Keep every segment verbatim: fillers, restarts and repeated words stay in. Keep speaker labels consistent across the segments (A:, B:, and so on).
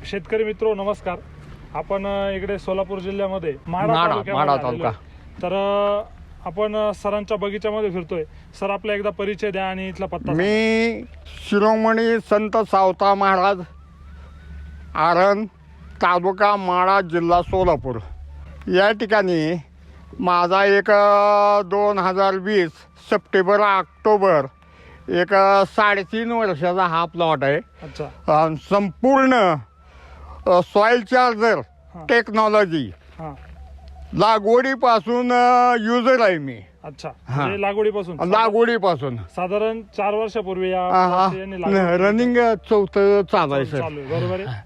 A: शेतकरी मित्रो नमस्कार. आपण इकडे सोलापूर जिल्ह्यामध्ये माढा
B: माढा
A: तालुक्यामध्ये
B: तालुका.
A: आलेलो आहे. तर अ, आपण अ, सरांच्या बगीच्यामध्ये फिरतोय. सर आपला एकदा परिचय द्या आणि इथला पत्ता सांगा.
B: मी शिरोमणी संत सावता महाराज आरण तालुका माढा जिल्हा सोलापूर या ठिकाणी माझा एक दोन हजार वीस सप्टेंबर ऑक्टोबर एक साडेतीन वर्षाचा हा प्लॉट आहे.
A: अच्छा.
B: अ, संपूर्ण सॉईल चार्जर
A: हा.
B: टेक्नॉलॉजी
A: हा.
B: लागवडीपासून युजर आहे मी.
A: अच्छा.
B: हा.
A: म्हणजे लागवडीपासून
B: लागवडीपासून
A: साधारण चार वर्षापूर्वी या
B: हा, हा.
A: प्लॉटची यांनी लागवड केली.
B: रनिंग चौथं चालू आहे सर.
A: चालू आहे, बरोबर आहे.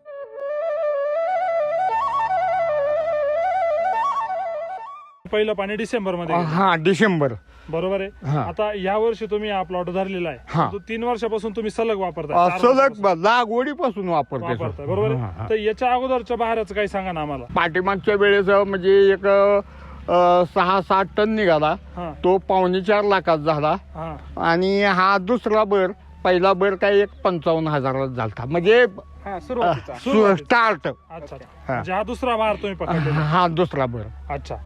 A: पहिलं पाणी डिसेंबर मध्ये गेलं.
B: हा डिसेंबर.
A: बरोबर आहे.
B: हा.
A: आता या वर्षी तुम्ही हा प्लॉट धरलेला
B: हा.
A: आहे. तो तीन वर्षापासून तुम्ही सलग वापरताय.
B: अ,
A: चार
B: सलग
A: वर्षापासून
B: लागवडीपासून वापरते सर.
A: वापरताय, बरोबर
B: हा,
A: आहे.
B: हा.
A: तर याच्या अगोदरच्या बहाराचं काही सांगा ना आम्हाला.
B: पाठीमागच्या वेळेस म्हणजे एक अ, सहा सात टन निघाला.
A: हा.
B: तो पावणे चार लाखात झाला.
A: हा.
B: आणि हा दुसरा बर पहिला बर काय एक पंचावन्न हजारात झाला. म्हणजे
A: सुरुवातीचा.
B: स्टार्ट.
A: अच्छा. म्हणजे हा दुसरा बहार तुम्ही पकडलेला.
B: हा दुसरा बर.
A: अच्छा.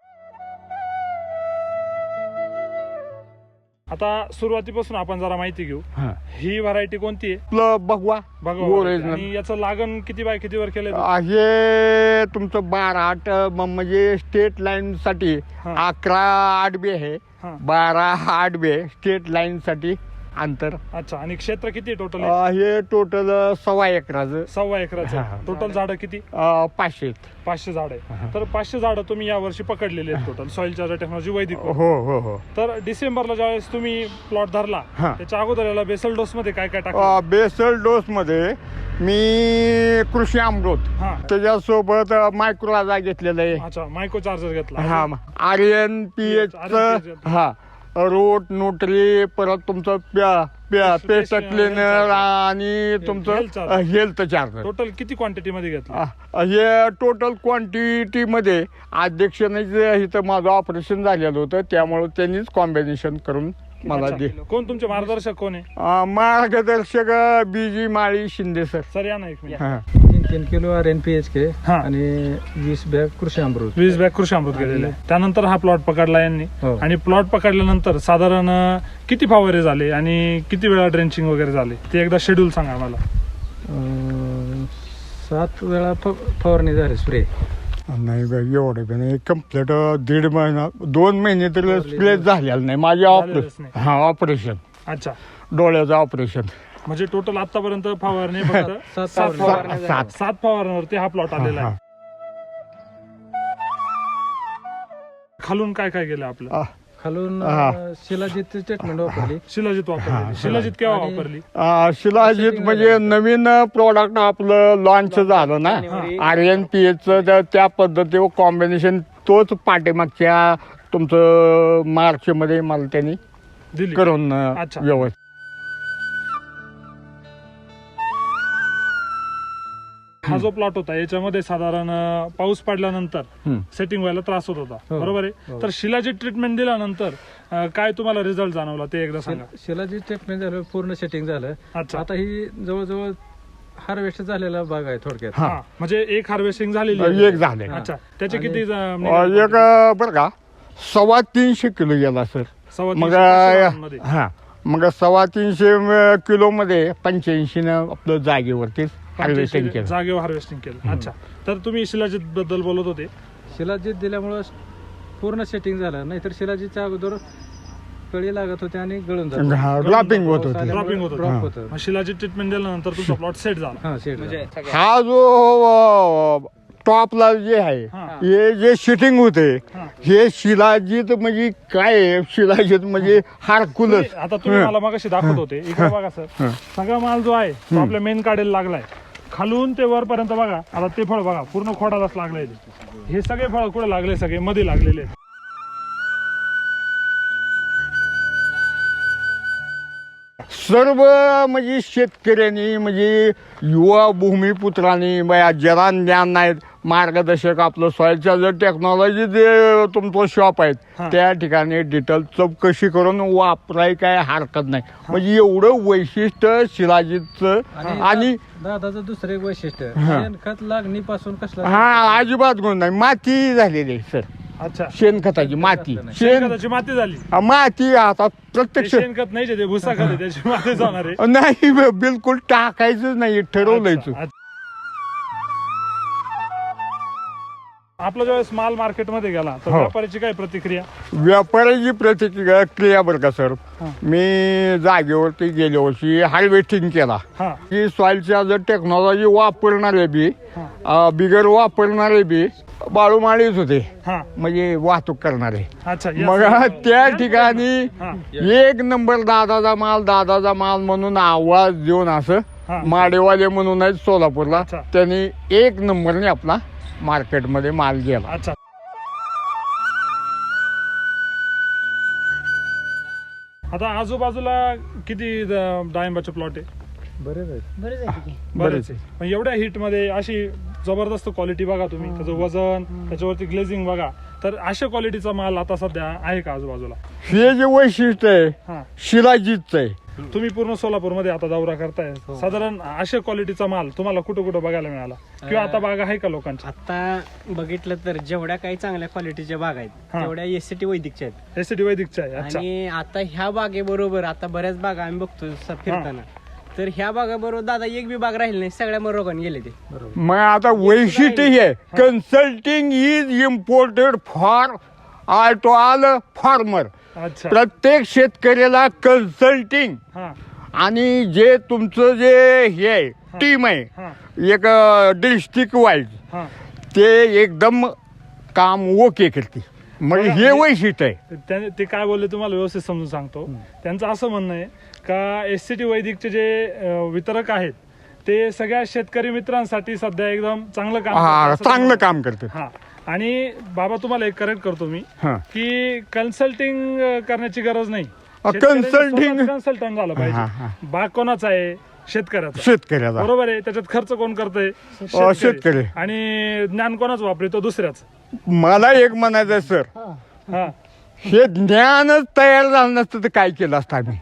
A: आता सुरुवातीपासून आपण जरा माहिती घेऊ.
B: हा.
A: ही व्हरायटी कोणती आहे?
B: आपलं भगवा
A: बघा.
B: ओरिजिनल.
A: आणि याचं लागण किती बाय कितीवर केलंय?
B: हे तुमचं बारा आठ म- म्हणजे स्टेट लाईन साठी
A: हा.
B: अकरा आठ बी आहे.
A: हा.
B: बारा आठ बी आहे स्टेट लाईन साठी अंतर.
A: अच्छा. आणि क्षेत्र किती टोटल?
B: अ, हे टोटल सव्वा एकराचं.
A: सव्वा एकराचं.
B: हा, हा.
A: टोटल झाडं किती?
B: अ, पाचशे.
A: पाचशे झाड
B: हा.
A: आहे. तर पाचशे झाडं तुम्ही या वर्षी पकडलेली आहेत टोटल सॉइल चार्जर टेक्नॉलॉजी वैदिक.
B: हो हो हो.
A: तर डिसेंबरला ज्यावेळेस तुम्ही प्लॉट धरला
B: हा.
A: त्याच्या अगोदर याला बेसल डोस मध्ये काय काय टाकलं?
B: बेसल डोस मध्ये मी कृषी अमृत
A: हा.
B: त्याच्यासोबत मायक्रोलाजा घेतलेलं आहे.
A: अच्छा. मायक्रो चार्जर घेतला.
B: हा आर्यन पी एच हा रोट न्यूट्री परत तुमचं प्या प्या
A: पेस्ट-
B: पेस्ट
A: पेस्ट-
B: क्लिनर आणि तुमचं
A: health charger.
B: Health charger.
A: Total किती क्वांटिटी मध्ये घेतला?
B: अ, हे टोटल क्वांटिटी मध्ये अध्यक्षाने जे इथं माझं ऑपरेशन झालेलं होतं त्यामुळे त्यांनीच कॉम्बिनेशन करून मला
A: अच्छा.
B: दे.
A: कोण तुमचे मार्गदर्शक कोण आहे?
B: अ, मार्गदर्शक B G Mali Shinde sir.
A: Sir या ना एक मिनिट.
B: हा.
C: तीन तीन kilo R N P H K
A: हा.
C: आणि वीस बॅग कृषी अमृत.
A: वीस बॅग कृषी अमृत गेलेले. त्यानंतर हा प्लॉट पकडला यांनी.
C: हो.
A: आणि प्लॉट पकडल्यानंतर साधारण अं, किती फवारे झाले आणि किती वेळा ड्रेंचिंग वगैरे झाले ते एकदा शेड्यूल सांगा आम्हाला.
C: अं, सात वेळा फ- फवारणी झाली स्प्रे.
B: नाही बाई एवढे पण नाही कम्प्लीट दीड महिना दोन महिने तरी स्प्ले झालेलं नाही माझे
A: झालेलंच
B: ऑपरेशन.
A: नाही.
B: हा ऑपरेशन
A: अच्छा.
B: डोळ्याचं ऑपरेशन.
A: म्हणजे टोटल आतापर्यंत फवारणी फक्त
C: सात
A: सात
C: फवारण्या
A: फवारण्या
C: झाल्या.
B: सात.
A: सात फवारण्यावरती हा प्लॉट आलेला आहे. खालून काय काय गेलं आपलं?
B: आ,
C: खालून
B: हा.
C: अं, शिलाजीत ट्रीटमेंट वापरली.
A: शिलाजीत वापरली. शिलाजीत केव्हा
C: आणि-
A: वापरली?
B: आ, शिलाजीत म्हणजे नवीन प्रोडक्ट आपलं लॉन्च झालं ना आर एन पी एचचं त्या पद्धतीवर कॉम्बिनेशन तोच पाठीमागच्या तुमचं मार्च मध्ये मला त्यांनी
A: दिली.
B: करून अ,
A: अच्छा.
B: व्यवस्थित.
A: हा जो प्लॉट होता याच्यामध्ये साधारण अं, पाऊस पडल्यानंतर
B: हम्म.
A: सेटिंग व्हायला त्रास होत होता.
C: हो.
A: बरोबर आहे.
C: हो.
A: तर शिलाजीत ट्रीटमेंट दिल्यानंतर अं, काय तुम्हाला रिझल्ट जाणवला ते एकदा सांगा.
C: शिलाजीत ट्रीटमेंट झालं, पूर्ण सेटिंग झालं.
A: अच्छा.
C: आता ही जवळजवळ हार्वेस्ट झालेला भाग आहे थोडक्यात.
B: हा.
A: हा. म्हणजे एक हार्वेस्टिंग झालेली आहे.
B: एक झाले.
A: अच्छा. त्याचे
C: आणि-
A: किती अं,
B: अ,
A: निघाले?
B: एक अ, बरं का सव्वा तीनशे किलो गेला सर.
A: सव्वा
B: मग
A: तीनशे पाचशे ग्राममध्ये.
B: हा मग सव्वा तीनशे किलो मध्ये पंच्याऐंशी न आपलं जागेवरती हार्वेस्टिंग
A: पंच्याऐंशी
B: केलं.
A: जागेवर हार्वेस्टिंग केलं. अच्छा. तर तुम्ही शिलाजीत बद्दल बोलत होते.
C: शिलाजीत दिल्यामुळं पूर्ण सेटिंग झालं. नाहीतर शिलाजीतच्या अगोदर कळी लागत होते आणि गळून जात होते.
B: हा ड्रॉपिंग होत होती.
A: ड्रॉपिंग होत
C: ड्रॉप
B: हा.
C: होतं.
A: मग शिलाजीत ट्रीटमेंट दिल्यानंतर तुमचा प्लॉट सेट झाला.
C: हा सेट
D: म्हणजे
B: हा जो अ, टॉपला जे आहे
A: हा.
B: हे जे शिटिंग होते
A: हा.
B: हे शिलाजीत म्हणजे काय आहे? शिलाजीत म्हणजे हारकुलस.
A: तुम्ही- आता तुम्ही मला मगाशी दाखवत होते इकडे बघा सर. सगळा माल जो आहे तो आपल्या मेन काढायला लागलाय. खालून ते वरपर्यंत बघा. आता ते फळ बघा पूर्ण खोडालाच लागलंय ते. हे सगळे फळ कुठे लागले? सगळे मध्ये लागलेले आहेत.
B: सर्व म्हणजे शेतकऱ्यांनी म्हणजे युवा भूमिपुत्रांनी बया जरा ज्ञान नाहीत मार्गदर्शक आपलं सॉइलच्या जर टेक्नॉलॉजी जे तुमचं शॉप आहेत
A: हा.
B: त्या ठिकाणी डिटेल चौकशी करून वापराय काय हरकत नाही म्हणजे एवढं वैशिष्ट्य शिलाजीतचं
C: आणि
B: आणि
C: दादाचं दुसरं एक वैशिष्ट्य
B: हा.
C: शेणखत लागणीपासून कसला
B: हा अजिबात गुण नाही माती झालेली आहे सर
A: अच्छा
B: शेणखताची माती शेण
A: शेणखताची माती झाली
B: हा, माती आता
A: ते
B: प्रत्यक्ष
A: शेणखत नाही जे भुसा खत आहे, त्याची माती जाणार आहे
B: नाही बिलकुल टाकायचंच नाही ठरवलंयच
A: अच्छा, अच्छा. आपला ज्यावेळेस माल मार्केटमध्ये गेला तर
B: हो.
A: व्यापाऱ्याची काय प्रतिक्रिया
B: व्यापाऱ्याची प्रतिक्रिया क्रिया बरं का सर
A: हा.
B: मी जागेवरती गेल्या वर्षी हार्वेस्टिंग केला
A: हा
B: की सॉइलच्या जर टेक्नॉलॉजी वापरणारे बी
A: हा.
B: अं, बिगर वापरणारे बी बाळूमाळीच होते
A: हा
B: म्हणजे वाहतूक करणारे
A: अच्छा yes.
B: मग त्या ठिकाणी
A: हा.
B: एक नंबर दादाचा माल दादाचा माल म्हणून आवाज देऊन असं
A: हा.
B: माडेवाले म्हणून आहेत सोलापूरला
A: अच्छा.
B: त्यांनी एक नंबरने आपला मार्केटमध्ये माल गेला
A: अच्छा आता आजूबाजूला किती द- डाळिंबाचे प्लॉट आहे
C: बरेच आहेत
D: बरेच आहे की.
A: बरेच आहे. पण एवढ्या हिट मध्ये अशी जबरदस्त क्वालिटी बघा तुम्ही त्याचं वजन त्याच्यावरती ग्लेझिंग बघा तर अशा क्वालिटीचा माल आता सध्या आहे का आजूबाजूला
B: हे जे वैशिष्ट्य आहे
A: हा
B: शिलाजीतचं आहे
A: तुम्ही पूर्ण सोलापूरमध्ये आता दौरा करताय साधारण अशा क्वालिटीचा माल तुम्हाला कुठं कुठं बघायला मिळाला किंवा आता बागा आहे का लोकांच्या
D: आता बघितलं तर जेवढ्या काही चांगल्या क्वालिटीच्या बाग आहेत
A: हा.
D: तेवढ्या एसटी वैदिकच्या आहेत
A: एसीडी वैदिकच्या आहे अच्छा
D: आणि आता ह्या बागेबरोबर आता बऱ्याच बागा आम्ही बघतो स- फिरताना तर ह्या बागाबरोबर दादा एक बी बाग राहिली नाही सगळ्या मग रोगाने गेले ते
B: मग आता वैशिष्ट्य हे आहे consulting is imported for all to all farmer
A: अच्छा
B: प्रत्येक शेतकऱ्याला कन्सल्टिंग
A: हा
B: आणि जे तुमचं जे हे आहे टीम आहे
A: हा
B: एक डिस्ट्रिक्ट वाईज
A: हा
B: ते एकदम काम ओके करते मग हे वैशिष्ट्य आहे
A: त्याने ते काय बोलले तुम्हाला व्यवस्थित समजून सांगतो त्यांचं असं म्हणणं आहे का एस सी टी वैदिकचे जे अं, वितरक आहेत ते सगळ्या शेतकरी मित्रांसाठी सध्या एकदम चांगलं काम
B: हा
A: करतात असं
B: चांगलं
A: ते
B: काम करते
A: हा आणि बाबा तुम्हाला एक करेक्ट करतो मी
B: हा
A: की कन्सल्टिंग करण्याची गरज नाही
B: consulting-
A: कन्सल्टंट झालं
B: हा, हा.
A: पाहिजे बाग कोणाचा आहे शेतकऱ्याचा
B: शेतकऱ्याचा
A: बरोबर आहे त्याच्यात खर्च कोण करतोय
B: शेतकरी.
A: आणि ज्ञान कोणाच वापरतो दुसऱ्याच
B: मला एक म्हणायचं आहे सर
A: हा
B: हे ज्ञानच तयार झालं नसतं तर काय केलं असतं आम्ही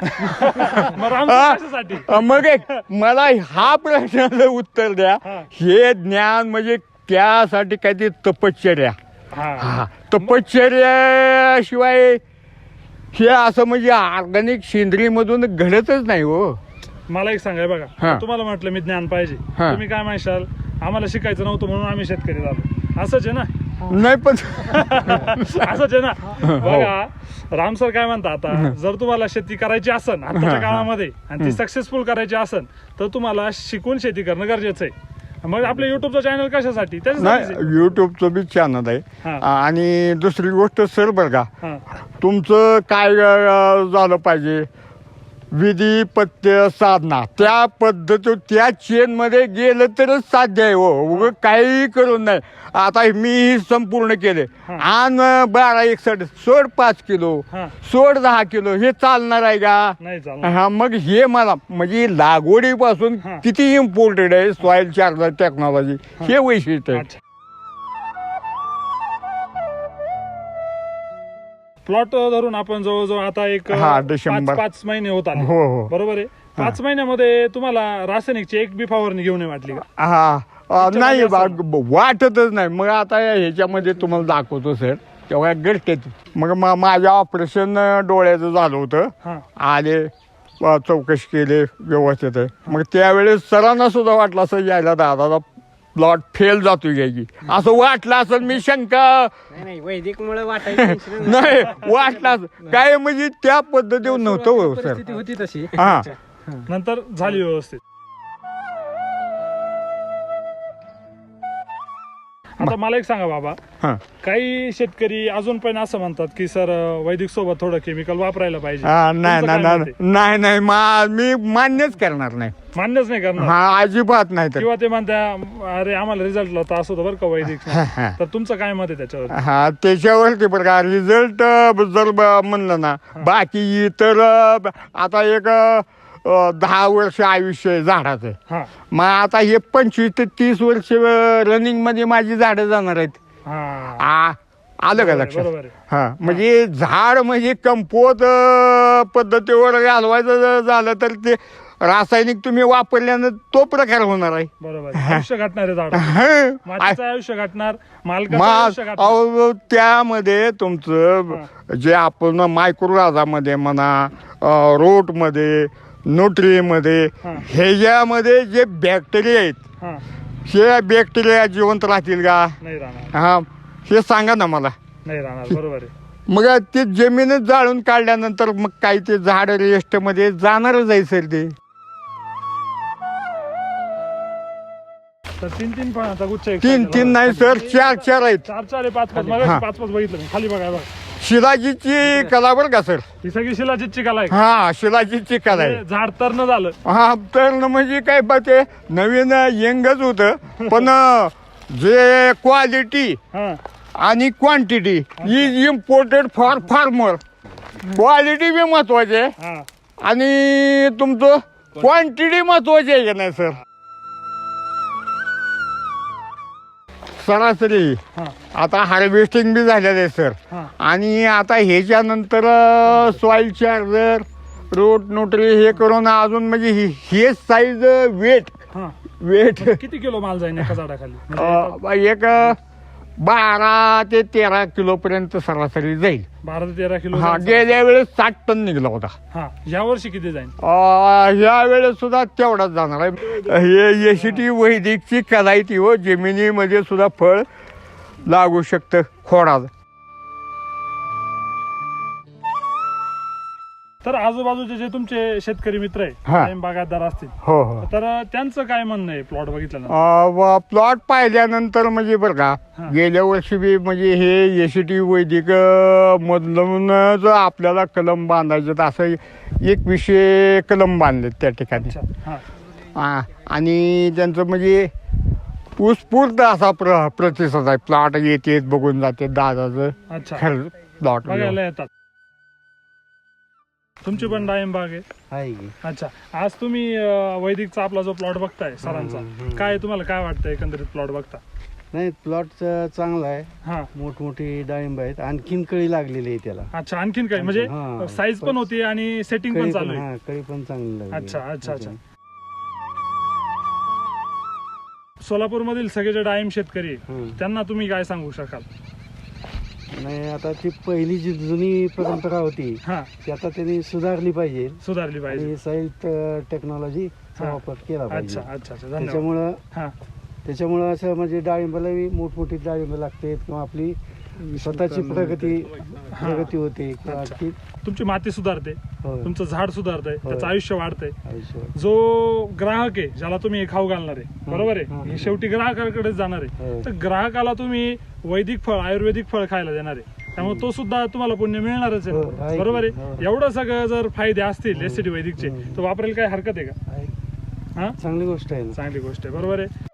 A: मग रामसर कशासाठी
B: अ, मग एक मला हा प्रश्नाचं उत्तर द्या
A: हा.
B: हे ज्ञान म्हणजे त्यासाठी काहीतरी तपश्चर्या
A: हा
B: हा तपश्चर्याशिवाय हे असं म्हणजे ऑर्गॅनिक सेंद्रियमधून घडतच नाही हो
A: मला एक सांगाय बघा
B: हा.
A: तुम्हाला म्हटलं मी ज्ञान पाहिजे
B: हा.
A: तुम्ही काय म्हणशाल आम्हाला शिकायचं नव्हतं म्हणून आम्ही शेतकरी झालो असंच आहे ना
B: नाही पण
A: असंच आहे ना बघा रामसर काय म्हणता आता जर तुम्हाला शेती करायची असन आताच्या काळामध्ये आणि ती सक्सेसफुल करायची असन तर तुम्हाला शिकून शेती करणं गरजेचं आहे मग आपलं युट्यूबचं चॅनल कशासाठी त्याच्यासाठीच आहे.
B: नाही युट्यूबचं बी चॅनल आहे
A: हा.
B: आणि दुसरी गोष्ट सर बरं का
A: हा.
B: तुमचं काय अ, झालं पाहिजे विधी पथ्य साधना त्या पद्धती त्या चेनमध्ये गेलं तरच साध्य आहे हो उगं काही करून नाही आता मी संपूर्ण केले आण बारा एकसठ सोड पाच किलो
A: हा.
B: सोड दहा किलो हे चालणार आहे का
A: नाही चालणार
B: हा मग हे मला म्हणजे लागवडीपासून
A: हा.
B: किती इम्पॉर्टंट आहे सॉइल चार्जर टेक्नॉलॉजी हे वैशिष्ट्य आहे
A: अच्छा प्लॉट धरून आपण जवळजवळ आता एक
B: हा,
A: पाच
B: डिसेंबर.
A: पाच महिने होत आले
B: हो, हो.
A: बरोबर आहे पाच महिन्यामध्ये तुम्हाला रासायनिकची एक बी फवारणी घेऊन नाही वाटली का
B: हा अ, नाही
A: असं-
B: बा- वाटतच नाही मग आता ह्याच्यामध्ये तुम्हाला दाखवतो सर तेव्हा गरजेत मग मा- माझ्या ऑपरेशन डोळ्याचं झालं होतं
A: हा
B: आले अ, चौकशी केली व्यवस्थित आहे मग त्यावेळेस सरांना सुद्धा वाटलं असं यायला दादाचा प्लॉट फेल जातो घ्यायची असं वाटलं असेल मी शंका
D: नाही नाही वैदिक मुळे वाटायचं
B: नाही वाटलं असं. काय म्हणजे त्या पद्धतीवर नव्हतं हो सर
C: परिस्थिती होती तशी
B: हा
A: नंतर झाली व्यवस्थित आता मला एक सांगा बाबा
B: हा
A: काही शेतकरी अजून पण असं म्हणतात की सर वैदिक सोबत थोडं केमिकल वापरायला पाहिजे
B: हा, नाही
A: तुमचं
B: नाही
A: काय
B: नाही
A: मत आहे?
B: नाही नाही मा- मी मान्यच करणार नाही
A: मान्यच नाही करणार
B: हा अजिबात नाही तर
A: किंवा ते म्हणता अरे आम्हाला रिझल्ट लावता असं होतं बरं का वैदिक
B: हा.
A: तर तुमचं काय मत आहे त्याच्यावर
B: हा त्याच्यावरती बरं का रिझल्ट जर ब- म्हणलं ना बाकी इतर अ, आता एक अ, दहा वर्ष आयुष्य आहे झाडाचं.
A: हा
B: मग आता हे पंचवीस ते तीस वर्ष रनिंग मध्ये माझी झाडं जाणार आहेत.
A: हा
B: आ आलं का
A: बरोबर आहे,
B: लक्षात?
A: बरोबर आहे.
B: हा म्हणजे झाड म्हणजे कंपोत अ, पद्धतीवर घालवायचं ज- झालं तर ते रासायनिक तुम्ही वापरल्यानं तो प्रकार होणार आहे.
A: बरोबर आहे. आयुष्य गाठणारे झाड
B: हं.
A: मातीचं आयुष्य गाठणार, मालकाचं
B: मा
A: आयुष्य गाठणार.
B: अहो, त्यामध्ये तुमचं जे आपण मायक्रोराजामध्ये म्हणा, रोटमध्ये, न्यूट्रीमध्ये,
A: हा.
B: ह्याच्यामध्ये जे बॅक्टेरिया आहेत,
A: हा
B: हे बॅक्टेरिया जिवंत राहतील का?
A: नाही राहणार,
B: हा हे सांगा ना मला.
A: नाही राहणार. बरोबर आहे.
B: मग ते जमीनच जाळून काढल्यानंतर मग काही ते झाड रेस्टमध्ये जाणारच आहे सर ते.
A: तर तीन तीन फळांचा गुच्छ एक
B: तीन
A: साईडला
B: तीन
A: लावा.
B: नाही सर, चार चार आहेत.
A: चार चार आहे, पाच पाच.
B: हा.
A: मग पाच पाच बघितलं मी. खाली बघा बघा.
B: शिलाजीची कला बरं का सर?
A: ही सगळी शिलाजीतची कला आहे.
B: हा शिलाजीची कला आहे.
A: हे झाड तर न झालं.
B: हा तर न म्हणजे काय बा ते नवीन यंगच होतं, पण जे क्वालिटी
A: हा
B: आणि quantity is important for farmer. Quality बी महत्वाची आहे
A: हा
B: आणि तुमचं क्वांटिटी महत्वाची आहे का नाही सर? सरासरी
A: हा
B: आता हार्वेस्टिंग बी झालेलं आहे सर.
A: हा
B: आणि आता ह्याच्यानंतर सॉइल चार्जर, रोट नोटरी हे करून अजून म्हणजे हे- हे साईज वेट
A: हा
B: वेट
A: मग किती किलो माल जाईल एका झाडाखाली? म्हणजे
B: एक बारा ते तेरा किलो पर्यंत सरासरी जाईल.
A: बारा ते तेरा किलो
B: हा
A: जाईल.
B: गेल्या वेळेस साठ टन निघला होता.
A: हा या वर्षी किती जाईल?
B: अं, ह्या वेळेस सुद्धा तेवढाच जाणार आहे. हे एसीटी वैदिकची कला आहे ती हो, जमिनीमध्ये सुद्धा फळ लागू शकतं खोडात.
A: तर आजूबाजूचे जे तुमचे शेतकरी मित्र आहे,
B: हा.
A: कायम बागायतदार असतील,
B: हो हो
A: तर त्यांचं काय म्हणणं आहे प्लॉट बघितल्यानंतर?
B: प्लॉट पाहिल्यानंतर म्हणजे बरं का,
A: हा.
B: गेल्या वर्षी बी म्हणजे हे एसीटी वैदिक मधूनच आपल्याला कलम बांधायचे असं एक विषय कलम बांधले त्या ठिकाणी.
A: अच्छा हा
B: हा, आणि त्यांचं म्हणजे उत्स्फूर्त असा प्र प्रतिसाद आहे. प्लॉट येते बघून जाते दादाचं
A: अच्छा
B: खरं प्लॉट.
A: बघायला येतात. तुमची पण डाळिंब बाग आहे.
D: आहे की
A: अच्छा, आज तुम्ही अं, वैदिकचा आपला जो प्लॉट बघताय सरांचा, काय तुम्हाला काय वाटतं एकंदरीत प्लॉट बघता?
E: नाही प्लॉट चांगला आहे.
A: हा
E: मोठमोठी डाळिंब आहेत, आणखीन कळी लागलेली आहे त्याला.
A: अच्छा, आणखीन काय म्हणजे
E: हा.
A: साईज पण होती आणि सेटिंग पण
E: कळी
A: चालू
E: पण
A: आहे.
E: हा कळी पण चांगली लागली.
A: अच्छा अच्छा अच्छा. सोलापूर मधील सगळे जे डाळिंब शेतकरी आहे,
E: हम्म.
A: त्यांना तुम्ही काय सांगू शकाल?
E: नाही आता ती पहिली जी जुनी परंपरा होती
A: हा
E: ती आता त्यांनी सुधारली पाहिजे
A: सुधारली पाहिजे.
E: आणि साईल टेक्नॉलॉजीचा
A: हा.
E: वापर केला पाहिजे.
A: अच्छा अच्छा अच्छा, धन्यवाद.
E: त्याच्यामुळं
A: हा
E: त्याच्यामुळं असं म्हणजे डाळिंबाला मोठमोठी डाळिंब लागते किंवा आपली स्वतःची प्रगती प्रगती होते किंवा
A: अच्छा.
E: ती
A: तुमची माती सुधारते,
E: होय.
A: तुमचं झाड सुधारतंय,
E: होय.
A: त्याचं आयुष्य वाढतंय.
E: आयुष्य
A: जो ग्राहक आहे ज्याला तुम्ही हे खाऊ घालणार आहे, बरोबर
E: हा.
A: आहे, हे शेवटी ग्राहकाकडेच जाणार आहे.
E: होय.
A: तर ग्राहकाला तुम्ही वैदिक फळ, आयुर्वेदिक फळ खायला देणार आहे, त्यामुळे तो सुद्धा तुम्हाला पुण्य मिळणारच
E: हो,
A: आहे.
E: आहे
A: बरोबर
E: की.
A: आहे.
E: हो.
A: एवढं सगळं जर फायदे असतील एसटी वैदिकचे,
E: हो.
A: तर वापरायला काय हरकत आहे का?
E: आहे.
A: हा
E: चांगली गोष्ट आहे ना.
A: चांगली गोष्ट आहे. बरोबर आहे.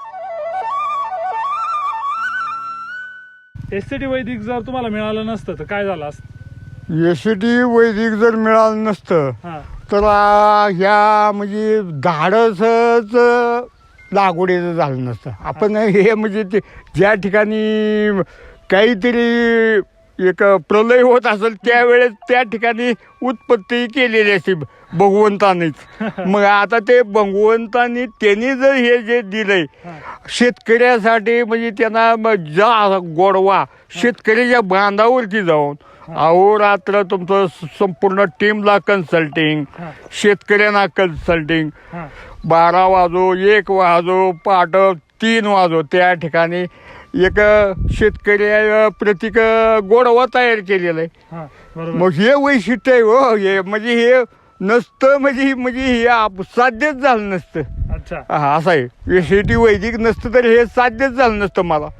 A: एसटी वैदिक जर तुम्हाला मिळालं नसतं तर काय झालं असतं?
B: एसीटी वैदिक जर मिळालं नसतं
A: हा
B: तर आ, ह्या म्हणजे धाडसच लागवडीचं झालं नसतं. आपण हे म्हणजे ते ज्या ठिकाणी काहीतरी एक प्रलय होत असेल त्यावेळेस त्या ठिकाणी उत्पत्ती केलेली असते भगवंतानेच. मग आता ते भगवंतानी त्यांनी जर हे जे दिलंय शेतकऱ्यासाठी म्हणजे त्यांना म- जा गोडवा शेतकऱ्याच्या बांधावरती जाऊन अहोरात्र तुमचं स- संपूर्ण टीमला कन्सल्टिंग,
A: हा
B: शेतकऱ्यांना कन्सल्टिंग,
A: हा
B: बारा वाजो एक वाजो पहाट तीन वाजो त्या ठिकाणी एक शेतकऱ्या प्रतीक गोडवा तयार केलेला आहे.
A: हा बरोबर.
B: मग हे वैशिष्ट्य आहे हो. हे म्हणजे हे नसतं म्हणजे म्हणजे हे आप- साध्यच झालं नसतं.
A: अच्छा
B: हा असं आहे. शेती वैदिक नसतं तर हे साध्यच झालं नसतं मला.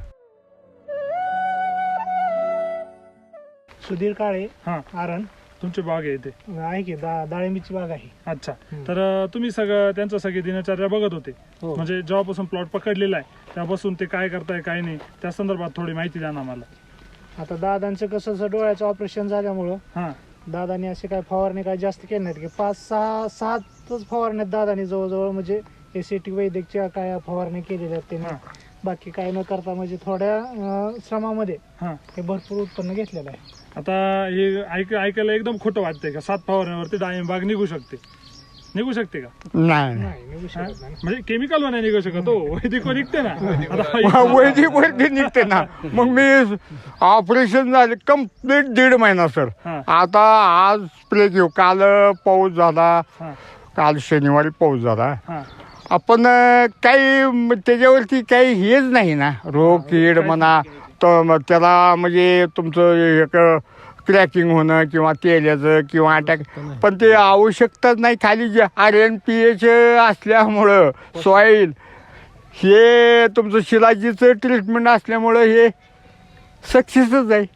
F: सुधीर काळे
A: हा
F: आरण
A: तुमची बाग आहे इथे.
F: आहे की दा डाळिंबीची बाग आहे.
A: अच्छा, तर अं, तुम्ही सगळं त्यांचं सगळी दिनचर्या बघत होते,
F: हो.
A: म्हणजे जेव्हापासून प्लॉट पकडलेला आहे तेव्हापासून ते काय करताय काय नाही त्या संदर्भात थोडी माहिती द्या ना मला.
F: आता दादांचं कसं असं डोळ्याचं ऑपरेशन झाल्यामुळं
A: हा
F: दादानी असे काय फवारणी काय जास्त केले नाहीत की पाच सहा सातच फवारण्यात दादानी जवळजवळ म्हणजे एसीटी वैद्यकच्या काय फवारणी केलेल्या आहेत त्यांनी. बाकी काय न करता म्हणजे थोड्या अं, श्रमामध्ये
A: हा
F: हे भरपूर उत्पन्न घेतलेलं आहे.
A: आता हे ऐक ऐकायला एकदम खोटं वाटतंय का सात फवारण्यावरती डाळिंब बाग निघू शकते निघू शकते का?
B: नाही
F: नाही निघू
A: हा?
F: शकत नाही.
A: म्हणजे केमिकल नाही निघू शकत हो वैदिक निघते ना आता
B: वैदिक वरती निघते ना. मग मी ऑपरेशन झाले कम्प्लीट दीड महिना सर.
A: हा.
B: आता आज स्प्रे घेऊ. काल पाऊस झाला,
A: हा
B: काल शनिवारी पाऊस झाला.
A: हा
B: आपण अं, काही म- त्याच्यावरती काही हेच नाही ना, रोग कीड म्हणा तर मग त्याला म्हणजे तुमचं एक क्रॅकिंग होणं किंवा तेल्याचं किंवा अटॅक, पण ते आवश्यकताच नाही. खाली जे आर एन पी एच असल्यामुळं सॉईल हे तुमचं शिलाजीचं ट्रीटमेंट असल्यामुळं हे सक्सेसच आहे.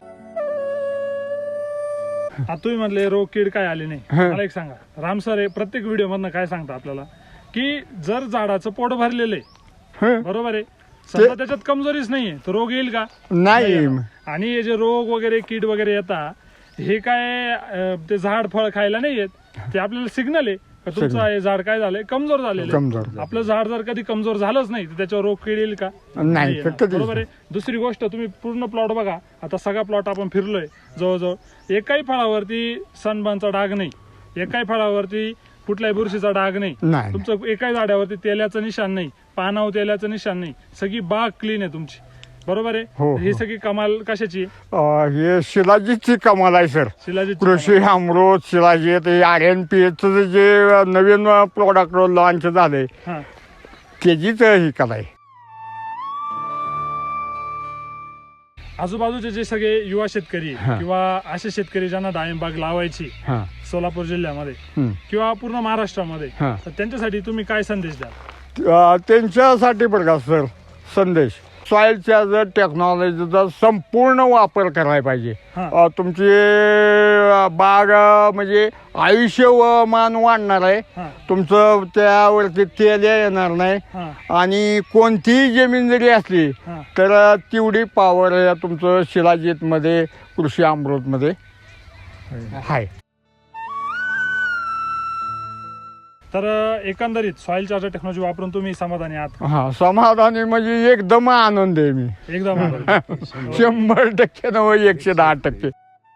A: आता तुम्ही म्हणले रोग कीड काय आले नाही.
B: हा.
A: मला एक सांगा राम सर हे प्रत्येक व्हिडिओ मधनं काय सांगता आपल्याला की जर झाडाचं पोट भरलेलं आहे
B: हं.
A: बरोबर आहे समजा त्याच्यात कमजोरीच नाहीये तर रोग येईल का?
B: नाही
A: आणि हे जे रोग वगैरे कीड वगैरे येतात हे काय अं, ते झाड फळ खायला नाही येत ते आपल्याला सिग्नल आहे का तुमचं हे झाड काय झालंय कमजोर झालेलं
B: कमजोर
A: आहे. आपलं झाड जर कधी कमजोर झालंच नाही तर त्याच्यावर रोग कीड येईल का?
B: नाही,
A: येणार.
B: कधीच
A: बरोबर आहे. दुसरी गोष्ट तुम्ही पूर्ण प्लॉट बघा आता सगळा प्लॉट आपण फिरलोय जवळजवळ एकाही फळावरती सनबर्नचा डाग नाही एकाही फळावरती कुठल्याही बुरशीचा डाग नाही
B: नाही.
A: तुमचं एकाही झाडावरती तेलाचं निशाण नाही पानावर तेलाचं निशाण नाही सगळी बाग क्लीन आहे तुमची बरोबर आहे.
B: हो,
A: ही
B: हो.
A: सगळी कमाल कशाची आहे?
B: अं, हे शिलाजीची कमाल आहे सर.
A: शिलाजीत
B: कृषी अमृत शिलाजी ते आर एन पी एचचं जे नवीन प्रोडक्ट लॉन्च झालंय
A: हा
B: त्याचीच ही कला आहे.
A: आजूबाजूचे जे सगळे युवा शेतकरी
B: हा.
A: किंवा असे शेतकरी ज्यांना डाळिंब बाग लावायची
B: हां
A: सोलापूर जिल्ह्यामध्ये
B: हं.
A: किंवा पूर्ण महाराष्ट्रामध्ये
B: हा.
A: तर त्यांच्यासाठी तुम्ही काय संदेश द्याल?
B: अं, त्यांच्यासाठी बरं का सर संदेश सॉईलच्या जर टेक्नॉलॉजीचा संपूर्ण वापर करायला पाहिजे.
A: हा.
B: अं, तुमची अं, बाग अं, म्हणजे आयुष्यमान वाढणार आहे.
A: हा
B: तुमचं त्यावरती तेल येणार नाही
A: हा
B: आणि कोणतीही जमीन जरी असली
A: हा
B: तर तेवढी पॉवर या तुमचं शिलाजीतमध्ये कृषी अमृतमध्ये आहे.
A: तर अं, एकंदरीत सॉइल चार्जर टेक्नॉलॉजी वापरून तुम्ही समाधानी आहात का?
B: हा समाधानी म्हणजे एकदम आनंद आहे मी.
A: एकदम आभारी.
B: शंभर टक्के नव्हे एकशे दहा टक्के.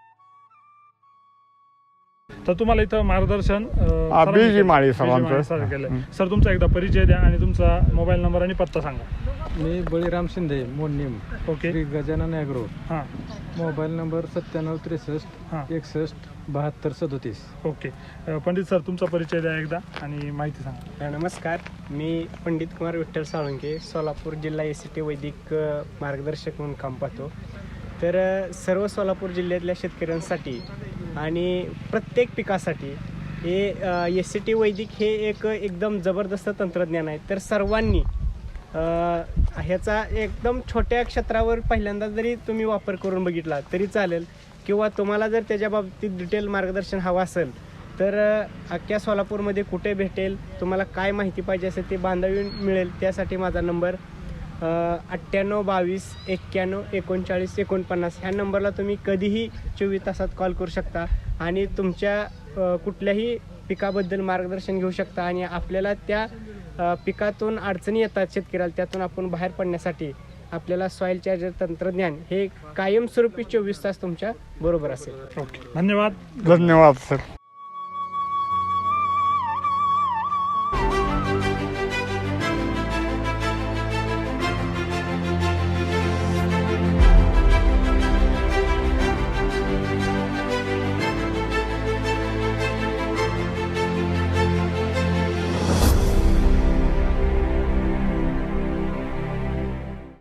A: तर तुम्हाला इथं मार्गदर्शन अं,
B: हा,
A: सरांनी
B: बीजी
A: केलं.
B: माळी
A: बीजी
B: सरांचं.
A: माळी सर केलं. सर तुमचा एकदा परिचय द्या आणि तुमचा मोबाईल नंबर आणि पत्ता सांगा.
C: मी बळीराम शिंदे मोडणीम
A: ओके
C: श्री गजानन ॲग्रो.
A: हां
C: मोबाईल नंबर सत्त्याण्णव त्रेसष्ट
A: हां
C: एकसष्ट बहात्तर सदोतीस.
A: ओके अं, पंडित सर तुमचा परिचय द्या एकदा आणि माहिती सांगा.
D: नमस्कार, मी पंडित कुमार विठ्ठल साळुंके, सोलापूर जिल्हा एस सी टी वैदिक अ, मार्गदर्शक म्हणून काम पाहतो. तर अ, सर्व सोलापूर जिल्ह्यातल्या शेतकऱ्यांसाठी आणि प्रत्येक पिकासाठी हे एस सी टी वैदिक हे एक एकदम जबरदस्त तंत्रज्ञान आहे. तर सर्वांनी अ, ह्याचा एकदम छोट्या क्षेत्रावर पहिल्यांदा जरी तुम्ही वापर करून बघितला तरी चालेल किंवा तुम्हाला जर त्याच्या बाबतीत डिटेल मार्गदर्शन हवं असेल तर अ, अख्ख्या सोलापूरमध्ये कुठे भेटेल तुम्हाला काय माहिती पाहिजे असेल ते बांधावी मिळेल. त्यासाठी माझा नंबर अठ्ठ्याण्णव बावीस एक्क्याण्णव एकोणचाळीस एकोणपन्नास ह्या नंबरला तुम्ही कधीही चोवीस तासात कॉल करू शकता आणि तुमच्या अ, कुठल्याही पिकाबद्दल मार्गदर्शन घेऊ शकता आणि आपल्याला त्या अ, पिकातून अडचणी येतात शेतकऱ्याला त्यातून आपण बाहेर पडण्यासाठी आपल्याला सॉईल चार्जर तंत्रज्ञान हे कायमस्वरूपी चोवीस तास तुमच्या बरोबर असेल.
A: ओके धन्यवाद.
B: धन्यवाद सर.